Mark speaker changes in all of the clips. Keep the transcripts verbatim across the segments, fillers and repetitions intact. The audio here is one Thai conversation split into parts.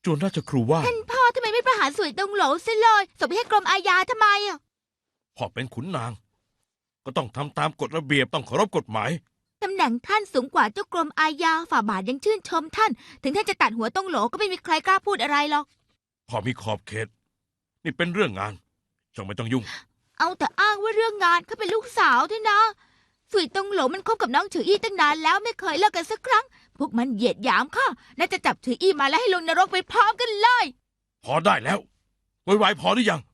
Speaker 1: จวนราชครูว่า
Speaker 2: ท่านพ่อทำไมไม่ประหารสวยตรงโหลซะเลยส่งไปให้กรมอาญาทำไมอ่ะ
Speaker 1: พ่อเป็นขุนนาง ก็ต้องทำตามกฎระเบียบต้องเคารพกฎหมาย
Speaker 2: ตำแหน่งท่านสูงกว่าเจ้ากรมอาญาฝ่าบาทยังชื่นชมท่าน ถึงท่านจะตัดหัวตรงโหลก็ไม่มีใครกล้าพูดอะไรหรอก
Speaker 1: พ่อมีขอบเขต นี่เป็นเรื่องงานจงไม่ต้องยุ่ง
Speaker 2: เอาแต่อ้างว่าเรื่องงานเขาเป็นลูกสาวด้วยนะสวยตรงโหลมันคบกับน้องฉืออี้ตั้งนานแล้วไม่เคยเลิกกันสักครั้ง พวกมันเหยียดหยามข้าน่าจะจับฉืออี้มาแล้วให้ลงนรกไปพร้อมกันเลย
Speaker 1: พอได้แล้วไวๆพอหรือยัง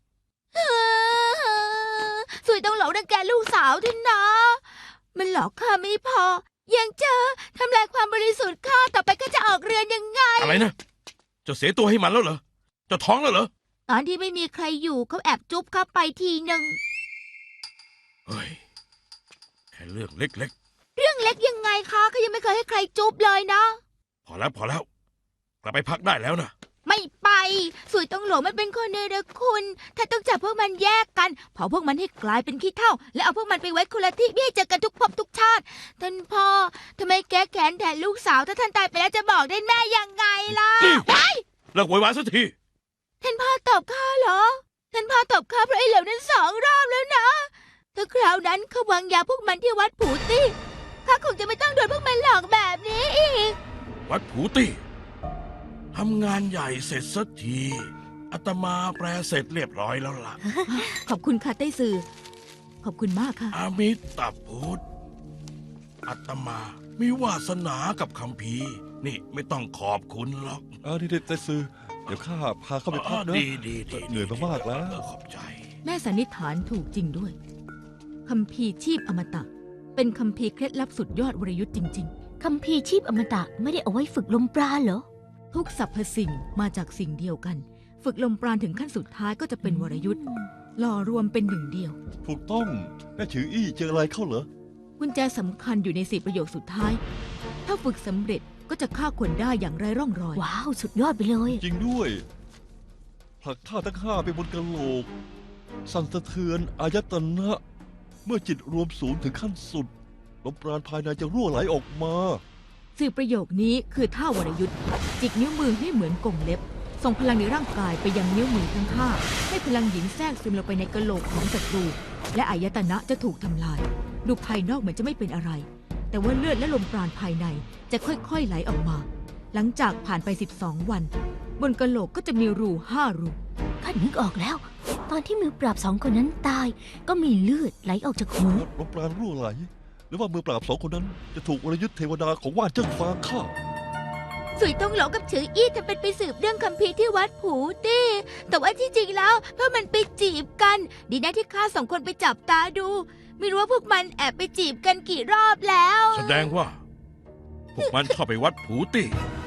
Speaker 2: สวยตรงโหลรังแกลูกสาวด้วยนะ มันหลอกข้าไม่พอ ยังเจอทำลายความบริสุทธิ์ข้าต่อไปก็จะออกเรือนยังไง
Speaker 1: อะไรนะจะเสียตัวให้มันแล้วเหรอจะท้องแล้วเหรอ
Speaker 2: ตอนที่ไม่มีใครอยู่เขาแอบจุ๊บข้าไปทีหนึ่ง
Speaker 1: เฮ้ยแค่เรื่องเล็ก
Speaker 2: เรื่องเล็กยังไงคะเขายังไม่เคยให้ใครจุ๊บเลยนะ
Speaker 1: ๆพอแล้วพอแล้ว กลับไปพักได้แล้วนะ
Speaker 2: ไม่ไปสวยตรงโหลมันเป็นคนเนรคุณ ถ้าต้องจับพวกมันแยกกันเผาพวกมันให้กลายเป็นขี้เถ้าและเอาพวกมันไปไว้คนละที่ไม่ให้เจอกันทุกภพทุกชาติท่านพ่อทำไมแก้แค้นแทนลูกสาวถ้าท่านตายไปแล้วจะบอกได้แม่ยังไงล่ะ
Speaker 1: นี่
Speaker 2: ว้าย
Speaker 1: เลิกโวยวายสักที
Speaker 2: ท่านพ่อตอบข้าเหรอท่านพ่อตอบข้าเพราะไอ้เหลวนั้นสองรอบแล้วนะถ้าคราวนั้นเขาวางยาพวกมันที่วัดผูตี้ข้าคงจะไม่ต้องโดนพวกมันหลอกแบบนี้อีก
Speaker 1: วัดผูตี้ทำงานใหญ่เสร็จสักทีอาตมาแปลเสร็จเรียบร้อยแล้วล่ะ
Speaker 2: ขอบคุณค่ะไต้ซือขอบคุณมากค่ะ
Speaker 1: อามิตาพุทธอาตมามีวาสนากับคำพีร์นี่ไม่ต้องขอบคุณหรอก
Speaker 3: เออนี่เด็ดใจซื้อเดี๋ยวข้าพาเข้าไปพักนะ
Speaker 1: ดีดีดี
Speaker 3: เหนื่อยมากๆแล้ว
Speaker 1: เออขอบใจ
Speaker 2: แม่สันนิษฐานถูกจริงด้วยคัมภีร์ชีพอมตะ เป็นคัมภีร์เคล็ดลับสุดยอดวรยุทธ์จริง
Speaker 4: คัมภีร์ชีพอมตะไม่ได้เอาไว้ฝึกลมปราณเหรอ
Speaker 2: ๆ ทุกสรรพสิ่งมาจากสิ่งเดียวกัน ฝึกลมปราณถึงขั้นสุดท้ายก็จะเป็นวรยุทธ์หล่อรวมเป็นหนึ่งเดียว
Speaker 3: ถูกต้องแม่ฉืออี้เจออะไรเข้าเหรอ
Speaker 2: กุญแจสำคัญอยู่ในสี่ประโยคสุดท้าย ถ้าฝึกสำเร็จก็จะฆ่าคนได้อย่างไร้ร่องรอย
Speaker 4: ว้าว สุดยอดไปเลย
Speaker 3: จริงด้วยผลักท่าทั้งห้าไปบนกะโหลก สั่นสะเทือนอายตนะ เมื่อจิตรวมศูนย์ถึงขั้นสุดลมปราณภายในจะรั่วไหลออกมา
Speaker 2: สี่ประโยคนี้คือท่าวรยุทธ์จิกนิ้วมือให้เหมือนกงเล็บ ส่งพลังในร่างกายไปยังนิ้วมือทั้งห้าให้พลังหญิงแทรกซึมลงไปในกะโหลกของศัตรู และอายตนะจะถูกทำลาย ดูภายนอกเหมือนจะไม่เป็นอะไร แต่ว่าเลือดและลมปราณภายในจะค่อยๆไหลออกมา หลังจากผ่านไปสิบสองวัน บนกะโหลกก็จะมีรูห้ารู
Speaker 4: ข้านึกออกแล้ว ตอนที่มือปราบสองคนนั้นตาย ก็มีเลือดไหลออกจากหู
Speaker 3: ลมปราณรั่วไหล หรือว่ามือปราบสองคนนั้น จะถูกวรยุทธ์เทวดาของว่านเจิ้งฟ้าฆ่า
Speaker 2: สุยตงเหลากับฉืออี้ทำเป็นไปสืบเรื่องคัมภีร์ที่วัดผูตี้แต่ว่าที่จริงแล้วเพราะมันไปจีบกัน ดีนะที่ข้าสองคนไปจับตาดู ไม่รู้ว่าพวกมันแอบไปจีบกันกี่รอบแล้ว
Speaker 1: แสดงว่า พวกมันเข้าไปวัดผูตี้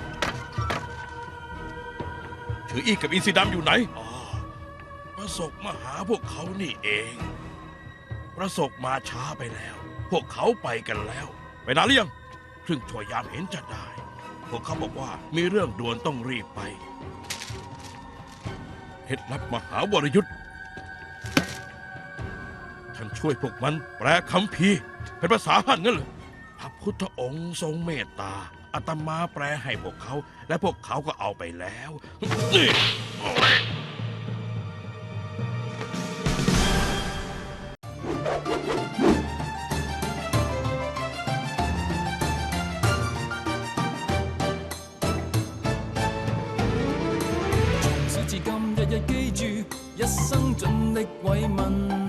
Speaker 1: ถืออีกกับอินทรีดำอยู่ไหนอ๋อประสบมาหาพวกเขานี่เอง ประสบมาช้าไปแล้ว พวกเขาไปกันแล้ว ไปนานหรือยังครึ่งชั่วยามเห็นจะได้ พวกเขาบอกว่ามีเรื่องด่วนต้องรีบไปเคล็ดลับมหาวรยุทธ์ท่านช่วยพวกมันแปลคัมภีร์เป็นภาษาฮั่นงั้นเหรอพระพุทธองค์ทรงเมตตาอาตมาแปลให้พวกเขา และพวกเขาก็เอาไปแล้วนี่โอ้ย
Speaker 5: 至今日日記住，一生盡力慰問。